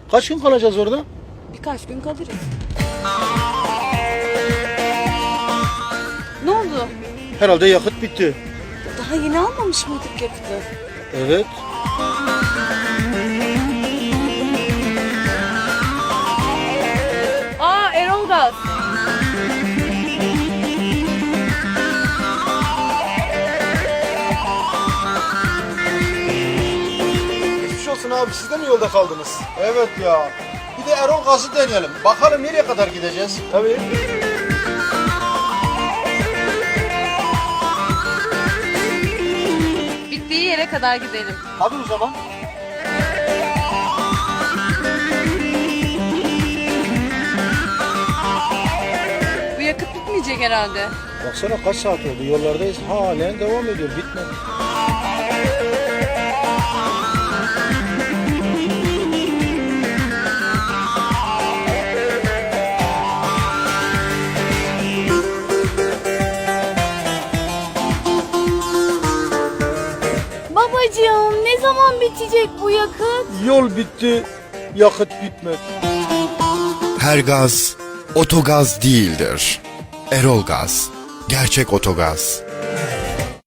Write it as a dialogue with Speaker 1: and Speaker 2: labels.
Speaker 1: Kaç gün kalacağız orada?
Speaker 2: Birkaç gün kalırız. Ne oldu?
Speaker 1: Herhalde yakıt bitti.
Speaker 2: Daha yeni almamış mıydık yakıtı?
Speaker 1: Evet.
Speaker 2: Aa, Erol Gaz.
Speaker 1: Geçmiş olsun abi, siz de mi yolda kaldınız? Evet ya. Bir de Erol Gaz'ı deneyelim. Bakalım nereye kadar gideceğiz? Tabii.
Speaker 2: Bittiği yere kadar gidelim.
Speaker 1: Hadi o zaman.
Speaker 2: Bu yakıt bitmeyecek herhalde.
Speaker 1: Baksana kaç saat oldu, yollardayız. Halen devam ediyor, bitmedi.
Speaker 2: Babacığım, ne zaman bitecek bu yakıt?
Speaker 1: Yol bitti, yakıt bitmedi.
Speaker 3: Her gaz otogaz değildir. Erol Gaz, gerçek otogaz.